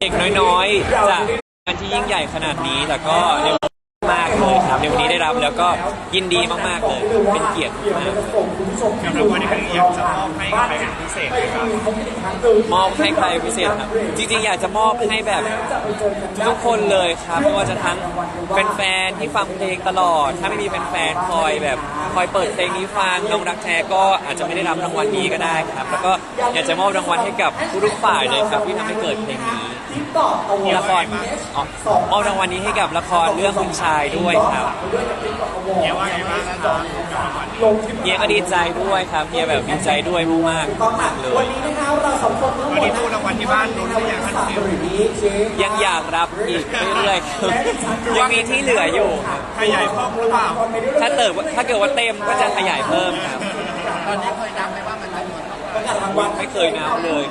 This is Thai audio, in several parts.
เด็กน้อยๆจากงานที่ยิ่งใหญ่ขนาดนี้แต่ก็ในวันนี้มากเลยครับในวันนี้ได้รับแล้วก็ยินดีมากๆเลยเป็นเกียรติมากสำหรับวันนี้เป็นอยากจะมอบให้ใครเป็นพิเศษไหมครับมอบให้ใครพิเศษครับจริงๆอยากจะมอบให้แบบทุกคนเลยครับไม่ว่าจะทั้งแฟนๆที่ฟังเพลงตลอดถ้าไม่มีแฟนๆคอยเปิดเพลงนี้ฟังน้องรักแท้ก็อาจจะไม่ได้รับรางวัลนี้ก็ได้ครับแล้วก็อยากจะมอบรางวัลให้กับทุกฝ่ายเลยครับที่ทำให้เกิดเพลงนี้ละครมอบรางวัลนี้ให้กับละครเรื่องคุณชายด้วยครับเฮียว่าไงบ้างนะครับเฮียก็ดีใจด้วยครับเฮียแบบดีใจด้วยมากๆเลยวันนี้ตู้รางวัลที่บ้านลุ้นหรือยังครับยังอยากรับอีกเรื่อยๆยังมีที่เหลืออยู่ขยายเพิ่มหรือเปล่าถ้าเกิดว่าเต็มก็จะขยายเพิ่มครับตอนนี้เคยนับไหมว่ามันจำนวนไม่เคยนับเลย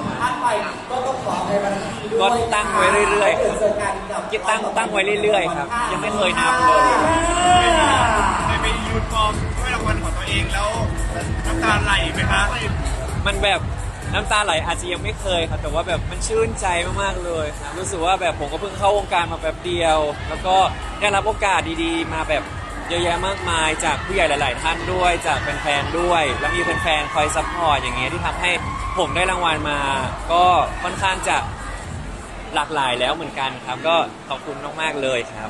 ก็ตั้งไว้เรื่อยๆครับตั้งไว้เรื่อยๆครับยังไม่เคยนับเลยได้ไปยืนกองด้วยรางวัลของตัวเองแล้วน้ำตาไหลไหมคะมันแบบน้ำตาไหลอาจจะยังไม่เคยครับแต่ว่าแบบมันชื่นใจมากๆเลยครับรู้สึกว่าแบบผมก็เพิ่งเข้าวงการมาแบบเดียวแล้วก็ได้รับโอกาสดีๆมาแบบเยอะแยะมากมายจากผู้ใหญ่หลายๆท่านด้วยจากแฟนๆด้วยแล้วมีแฟนๆคอยซัพพอร์ตอย่างเงี้ยที่ทำให้ผมได้รางวัลมาก็ค่อนข้างจะหลากหลายแล้วเหมือนกันครับก็ขอบคุณมากๆเลยครับ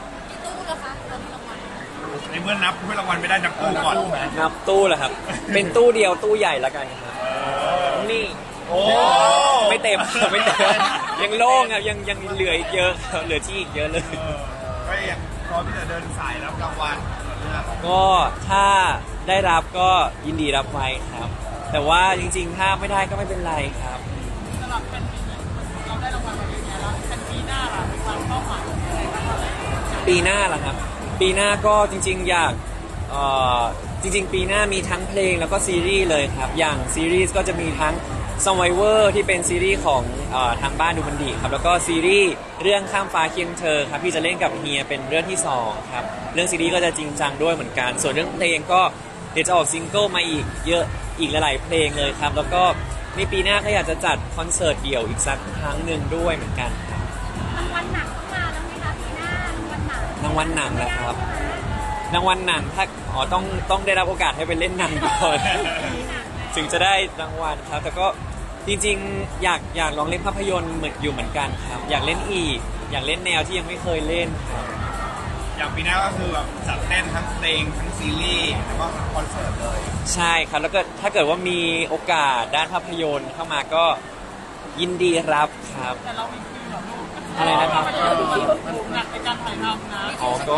ในเมื่อนับรางวัลไม่ได้นับตู้ก่อนนับตู้เหรอครับเป็นตู้เดียวตู้ใหญ่ละกันครับนี่โอ้ไม่เต็มยังโล่งครับยังเหลืออีกเยอะเหลือที่อีกเยอะเลยก็ยังพร้อมที่จะเดินสายรับรางวัลก็ถ้าได้รับก็ยินดีรับไว้ครับแต่ว่าจริงๆถ้าไม่ได้ก็ไม่เป็นไรครับสำหรับเป็นปีนี้เราได้รางวัลมาเยอะแยะแล้วเป็นปีหน้าล่ะมีความเป้าหมายอะไรบ้างปีหน้าล่ะครับปีหน้าก็จริงๆอยากจริงๆปีหน้ามีทั้งเพลงแล้วก็ซีรีส์เลยครับอย่างซีรีส์ก็จะมีทั้ง Survivor ที่เป็นซีรีส์ของทางบ้านดูมันดีครับแล้วก็ซีรีส์เรื่องข้ามฟ้าเคียงเธอครับที่จะเล่นกับเฮียเป็นเรื่องที่2ครับเรื่องซีรีส์ก็จะจริงจังด้วยเหมือนกันส่วนเรื่องเพลงก็เดี๋ยวจะออกซิงเกิลมาอีกเยอะอีกหลายๆเพลงเลยครับแล้วก็ในปีหน้าก็อยากจะจัดคอนเสิร์ตเดี่ยวอีกสักครั้งหนึ่งด้วยเหมือนกันครับรางวัลหนังต้องมาแล้วไหมคะปีหน้ารางวัลหนังนะครับรางวัลหนังถ้าต้องได้รับโอกาสให้ไปเล่นหนังก่อนถึงจะได้รางวัลครับแต่ก็จริงๆอยากลองเล่นภาพยนตร์เหมือนกันครับอยากเล่นอีกอยากเล่นแนวที่ยังไม่เคยเล่นครับอย่างปีหน้าก็คือแบบจัดเต้นทั้งเพลงทั้งซีรีส์แล้วก็คอนเสิร์ตเลยใช่ครับแล้วก็ถ้าเกิดว่ามีโอกาสด้านภาพยนตร์เข้ามาก็ยินดีรับครับแต่เรามีคิวเหรอลูกอะไรนะครับหนักในการถ่ายทำนะอ๋อก็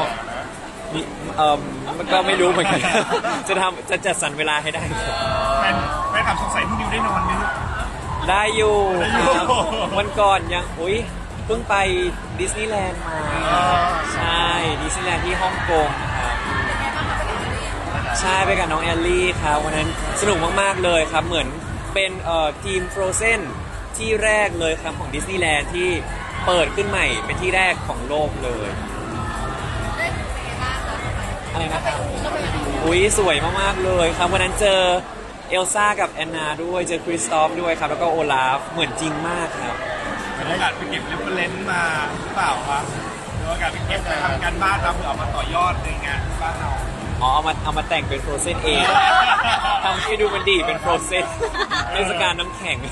มันก็ไม่รู้เหมือนกันจะจัดสรรเวลาให้ได้แฟนคลับสงสัยพี่นิวได้นอนไหมลูกได้อยู่ครับวันก่อนยังเพิ่งไปดิสนีย์แลนด์มาใช่ดิสนีย์แลนด์ที่ฮ่องกงครับใช่ไปกับน้องแอลลี่ครับวันนั้นสนุกมากๆเลยครับเหมือนเป็นทีม Frozen ที่แรกเลยครับของดิสนีย์แลนด์ที่เปิดขึ้นใหม่เป็นที่แรกของโลกเลยอะไรนะครับสวยมากๆเลยครับวันนั้นเจอเอลซ่ากับแอนนาด้วยเจอคริสตอฟด้วยครับแล้วก็โอลาฟเหมือนจริงมากครับมีโอกาสไปเก็บเรฟเฟอเรนซ์มาหรือเปล่าครับมีโอกาสไปเก็บไปทำการบ้านเราเพื่อเอามาต่อยอดในงานบ้านเราเอามาแต่งเป็นโฟรเซนเองทำให้ดูมันดีเป็นโฟรเซนเทศกาลน้ำแข็ง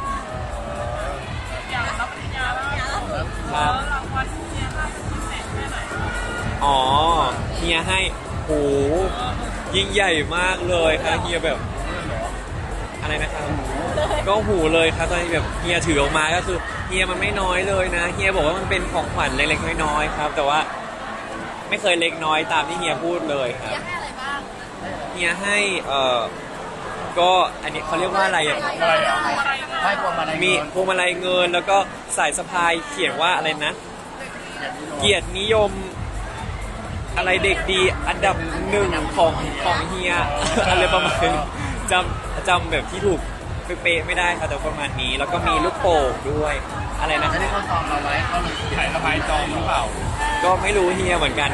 อย่างรับปริญญาแล้วครับรางวัลเฮียให้พิเศษแค่ไหนเฮียให้ยิ่งใหญ่มากเลยครับเฮียแบบอะไรนะครับก็หูเลยครับตอนนี้แบบเฮียถือออกมาก็คือเฮียมันไม่น้อยเลยนะเฮียบอกว่ามันเป็นของขวัญเล็กๆน้อยๆครับแต่ว่าไม่เคยเล็กน้อยตามที่เฮียพูดเลยครับเฮียให้อะไรบ้างเฮียให้ก็อันนี้เขาเรียกว่าอะไรมีพวงมาลัยเงินแล้วก็สายสะพายเขียนว่าอะไรนะเกียรตินิยมอะไรเด็กดีอันดับ1ของเฮียอะไรประมาณนี้จำแบบที่ถูกเป๊ะไม่ได้ค่ะแต่ประมาณนี้แล้วก็มีลูกโป่งด้วยอะไรนะที่เขาซองเราไว้เขาถ่ายระบายจองหรือเปล่าก็ไม่รู้เฮียเหมือนกัน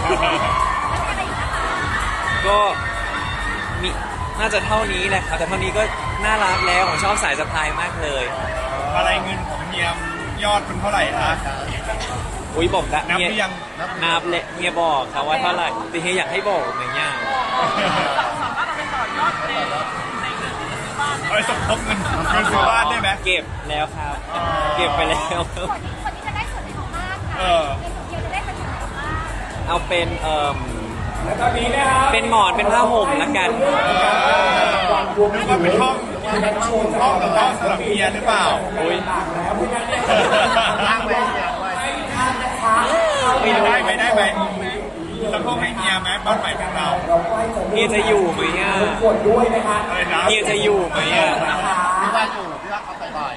ก็มีน่าจะเท่านี้แหละครับแต่เท่านี้ก็น่ารักแล้วผมชอบสายสะพายมากเลยอะไรเงินของเฮียยอดมันเท่าไหร่ฮะอุ้ยบอกได้นับหรือยังนับเลยเฮียบอกครับว่าเท่าไหร่แต่เฮียอยากให้บอกไหมเนี่ยเอาไปสมทบเงินซื้อบ้านได้ไหมเก็บแล้วครับ เก็บไปแล้วส่วนนี้จะได้ส่วนไหนของบ้านค่ะเออในส่วนเดียวจะได้เป็นส่วนไหนของบ้านเอาเป็นเป็นหมอนเป็นผ้าห่มละกันนึกว่าเป็นห้องสำหรับเมียหรือเปล่าอุ้ยตั้งไว้ไม่ได้ไหมแล้วพวกให้เมียไหมบ้านใหม่ของเราเฮียจะอยู่ไหมอ่ะอะไรนะเฮียจะอยู่ไหมอ่ะพี่ว่าอยู่พี่ว่าเขาไปบ่อย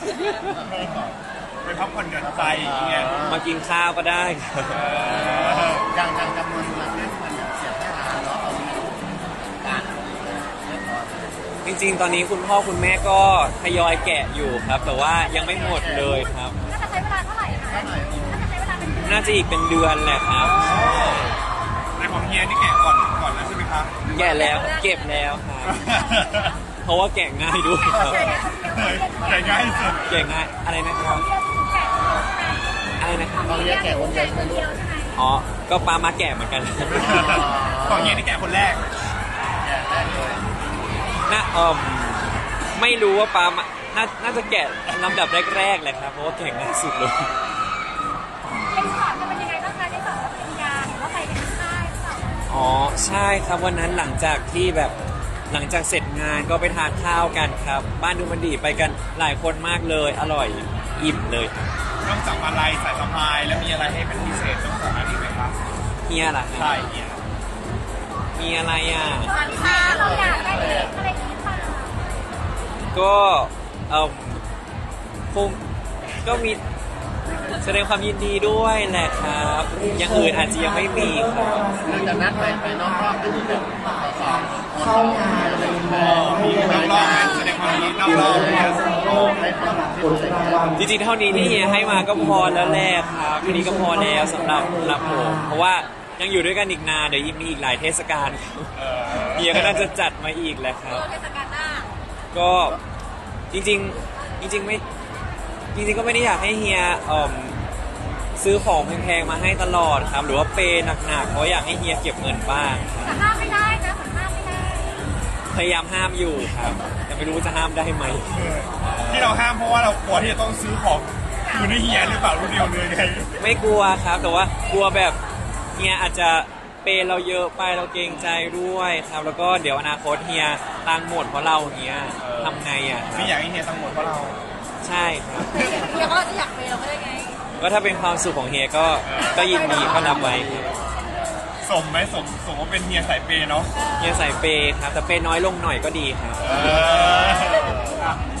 ไปพักผ่อนหย่อนใจอย่างเงี้ยมากินข้าวก็ได้ครับอย่างจำนวนเงินที่มันเสียค่าอาหารเนาะเอามีการเรียบร้อยจริงๆ ตอนนี้คุณพ่อคุณแม่ก็ทยอยแกะอยู่ครับ แต่ว่ายังไม่หมดเลยครับน่าจะใช้เวลาเท่าไหร่คะน่าจะใช้เวลาเป็นเดือนน่าจะอีกเป็นเดือนแหละครับในของเฮียนี่แกะก่อนแล้วใช่ไหมครับแกะแล้วเก็บแล้วครับ เพราะว่าแกะง่ายด้วยครับแกะง่ายสุดแกะง่ายอะไรนะครับ อะไรนะครับเราเรียกแก่คนเดียวเดียวใช่ไหมอ๋อ ก็ปามาแกะเหมือนกันของเฮียนี่แกะคนแรกแก่ได้เลยน่าไม่รู้ว่าปามาน่าจะแกะลำดับแรกๆแหละครับ เพราะว่าแกะง่ายสุดเลยเรียนสอนจะเป็นยังไงบ้างคะได้สอนรับปริญญาหรือว่าไปกันที่ค่ายหรือเปล่าอ๋อใช่ครับวันนั้นหลังจากเสร็จงานก็ไปทานข้าวกันครับ บ้านดูมันดีไปกันหลายคนมากเลย อร่อยอิ่มเลยครับนอกจากมาลัยสายสะพายแล้วมีอะไรให้เป็นพิเศษต้องของอันนี้ไหมครับเฮียล่ะครับใช่เฮียมีอะไรอ่ะตอนที่เราอยากได้เองอะไรอย่างนี้เปล่าก็คงก็มีแสดงความยินดีด้วยแหละครับอย่างอื่นอาจจะยังไม่มีครับคือจะนัดไปนอกรอบอันนี้เป็นสองคนอะไรอย่างเงี้ยมีนอกรอบไหมแสดงความยินดีนอกรอบเนี่ยให้คนที่รู้สึกว่าจริงๆเท่านี้ที่เฮียให้มาก็พอแล้วแหละครับทีนี้ก็พอแล้วสำหรับผมเพราะว่ายังอยู่ด้วยกันอีกนานเดี๋ยวยังมีอีกหลายเทศกาลครับเฮียก็น่าจะจัดมาอีกแหละครับเทศกาลหน้าก็จริงๆไม่จริงๆก็ไม่ได้อยากให้เฮียซื้อของแพงๆมาให้ตลอดครับ หรือว่าเปย์หนักๆเพราะอยากให้เฮียเก็บเงินบ้างแต่ห้ามไม่ได้นะเหมือนห้ามไม่ได้พยายามห้ามอยู่ครับแต่ไม่รู้ว่าจะห้ามได้ไหมที่เราห้ามเพราะว่าเรากลัวที่จะต้องซื้อของคืนให้เฮียหรือเปล่ารู้เดียวเลยไงไม่กลัวครับ แต่ว่ากลัวแบบเฮียอาจจะเปย์เราเยอะไปเราเกรงใจด้วยครับ แล้วก็เดี๋ยวอนาคตเฮียตังค์หมดเพราะเราอย่างเงี้ยทำไงอ่ะไม่อยากให้เฮียทั้งหมดเพราะเราใช่ครับเฮียก็จะอยากไปเราก็ได้ไงก็ถ้าเป็นความสุขของเฮียก็ยินดีก็รับไว้ครับสมไหมสมว่าเป็นเฮียสายเปย์เนาะเฮียใส่เปย์ครับแต่เปย์น้อยลงหน่อยก็ดีครับเออ